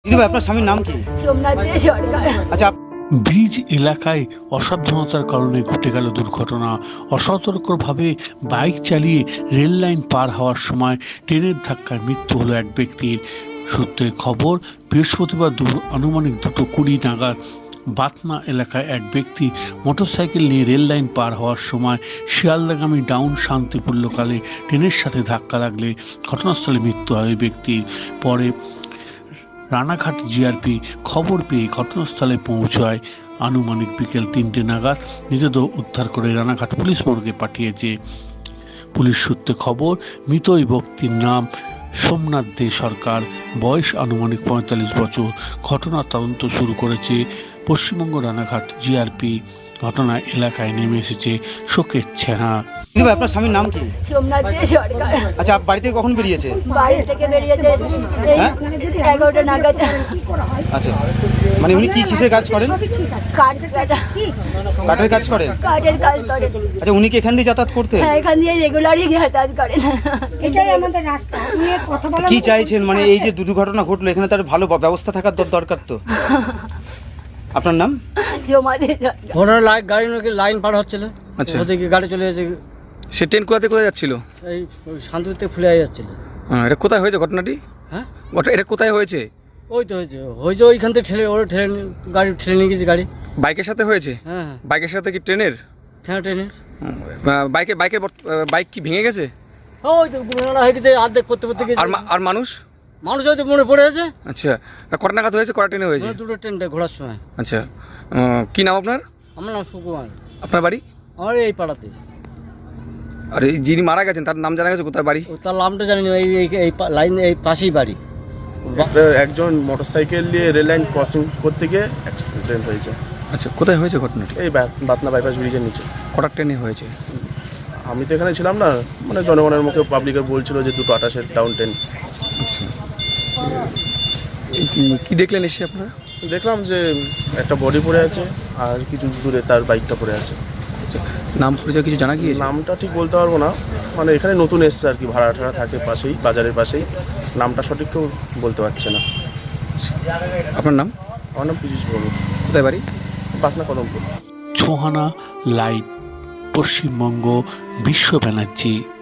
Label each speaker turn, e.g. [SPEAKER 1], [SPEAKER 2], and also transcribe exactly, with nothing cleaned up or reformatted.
[SPEAKER 1] দিদি ভাই, আপনার স্বামীর নাম কি?
[SPEAKER 2] সোমনাথ দে সরকার।
[SPEAKER 1] আচ্ছা,
[SPEAKER 3] ব্রিজ এলাকায় অসাবধানতার কারণে ঘটে গেল দুর্ঘটনা। অসতর্কভাবে বাইক চালিয়ে রেল লাইন পার হওয়ার সময় ট্রেনের ধাক্কায় মৃত্যু হলো এক ব্যক্তির। সূত্রে খবর, বৃহস্পতিবার দু- আনুমানিক দুটো কুড়ি নাগাদ বাতনা এলাকায় এক ব্যক্তি মোটরসাইকেল নিয়ে রেল লাইন পার হওয়ার সময় শিয়ালদাগামী ডাউন শান্তিপুর লোকালে ট্রেনের সাথে ধাক্কা লাগলে ঘটনাস্থলে মৃত্যু হয় ওই ব্যক্তির। পরে রানাঘাট জিআরপি খবর পেয়ে ঘটনাস্থলে পৌঁছায়। আনুমানিক বিকেল তিনটে নাগাদ মৃতদেহ উদ্ধার করে রানাঘাট পুলিশ মর্গে পাঠিয়েছে। পুলিশ সূত্রে খবর, মৃত ওই ব্যক্তির নাম সোমনাথ দে সরকার, বয়স আনুমানিক পঁয়তাল্লিশ বছর। ঘটনার তদন্ত শুরু করেছে পশ্চিমবঙ্গ রানাঘাট জিআরপি। ঘটনায় এলাকায় নেমে এসেছে শোকের ছায়া।
[SPEAKER 1] দিদি ভাই, আপনার স্বামীর নাম কি?
[SPEAKER 2] সোমনাথ দে সরকার।
[SPEAKER 1] আচ্ছা, বাড়ি থেকে কখন বেরিয়েছে?
[SPEAKER 2] বাড়ি থেকে বেরিয়েছে এই
[SPEAKER 1] হ্যাঁ?
[SPEAKER 2] এগারোটা নাগাদ।
[SPEAKER 1] আচ্ছা, মানে উনি কি কিসের কাজ করেন?
[SPEAKER 2] কাঠ কাটা
[SPEAKER 1] কাঠের কাজ করেন?
[SPEAKER 2] কাঠের কাজ করেন।
[SPEAKER 1] আচ্ছা, উনি কি এখান দিয়ে যাতায়াত করতেন?
[SPEAKER 2] হ্যাঁ, এখান দিয়ে রেগুলারই যাতায়াত করেন।
[SPEAKER 4] এটাই আমাদের রাস্তা। নিয়ে কথা বলা
[SPEAKER 1] কি চাইছেন, মানে এই যে দুর্ঘটনা ঘটলো এখানে তার ভালো ব্যবস্থা থাকার দর- দরকার তো। আপনার নাম?
[SPEAKER 2] জমা দিয়ে যান।
[SPEAKER 5] ঘটনা লাইন গাড়ি নাকি লাইন পার হচ্ছিল।
[SPEAKER 6] আচ্ছা।
[SPEAKER 5] ওদিকে গাড়ি চলে গেছে,
[SPEAKER 6] সে ট্রেন কোথা থেকে কোথায় যাচ্ছিল?
[SPEAKER 5] এই শান্তিপুর থেকে ফুলে যাচ্ছিল।
[SPEAKER 6] হ্যাঁ, এটা কোথায় হয়েছে ঘটনাটি?
[SPEAKER 5] হ্যাঁ,
[SPEAKER 6] ঘটনা এটা কোথায় হয়েছে?
[SPEAKER 5] ওই তো হয়েছে হয়েছে ওইখান থেকে ঠেলে ওরা ঠেলে নিয়ে- গাড়ি ঠেলে নিয়ে গেছে গাড়ি।
[SPEAKER 6] বাইকের সাথে হয়েছে?
[SPEAKER 5] হ্যাঁ হ্যাঁ,
[SPEAKER 6] বাইকের সাথে কি ট্রেনের?
[SPEAKER 5] ঠেলে ট্রেনে।
[SPEAKER 6] আহ, বাইকে বাইকের বর্ত- আহ, বাইক কি ভেঙে গেছে?
[SPEAKER 5] ওই তো ঘটনা হয়ে গেছে, অর্ধেক করতে করতে গেছে।
[SPEAKER 6] আর মা- আর মানুষ?
[SPEAKER 5] মানুষ হয়তো মনে পড়ে আছে।
[SPEAKER 6] আচ্ছা, কটা নাগাদ হয়েছে, কটা ট্রেনে হয়েছে?
[SPEAKER 5] দুটো ট্রেনটা ঘোরার সময়।
[SPEAKER 6] আচ্ছা, আহ, কি নাম আপনার?
[SPEAKER 5] আমার নাম সুকুমার।
[SPEAKER 6] আপনার বাড়ি?
[SPEAKER 5] আমার এই পাড়াতে।
[SPEAKER 6] আর এই যিনি মারা গেছেন তার নাম জানা গেছে, কোথায় বাড়ি?
[SPEAKER 5] ও তার নামটা জানি না, এই এই- এই পা- লাইন এই পাশেই বাড়ি।
[SPEAKER 7] একজন মোটরসাইকেল নিয়ে রেল লাইন ক্রসিং করতে গিয়ে অ্যাক্সিডেন্ট হয়েছে।
[SPEAKER 6] আচ্ছা, কোথায় হয়েছে ঘটনাটি?
[SPEAKER 7] এই বা- বাতনা বাইপাস ব্রিজের নিচে।
[SPEAKER 6] কটা ট্রেনে হয়েছে?
[SPEAKER 7] আমি তো এখানে ছিলাম না, মানে জনগণের মুখে পাবলিকের বলছিল যে দুটো আঠাশের ডাউন ট্রেন।
[SPEAKER 6] আচ্ছা, এই কি- কি দেখলেন এসে আপনারা?
[SPEAKER 7] দেখলাম যে একটা বডি পড়ে আছে আর কিছু দূরে তার বাইকটা পড়ে আছে।
[SPEAKER 6] আচ্ছা, নাম পরিচয় কিছু জানা গিয়েছে?
[SPEAKER 7] নামটা ঠিক বলতে পারবো না, মানে এখানে নতুন এসছে আর কি, ভাড়া ঠাড়া থাকে পাশেই, বাজারের পাশেই। নামটা সঠিক কেউ বলতে পারছে না।
[SPEAKER 6] আপনার নাম?
[SPEAKER 7] আমার নাম পীযুষ বড়ু,
[SPEAKER 6] কোথায় বাড়ি?
[SPEAKER 7] বাতনা কদমপুর।
[SPEAKER 3] ছোহানা লাইভ, পশ্চিমবঙ্গ, বিশ্ব ব্যানার্জি।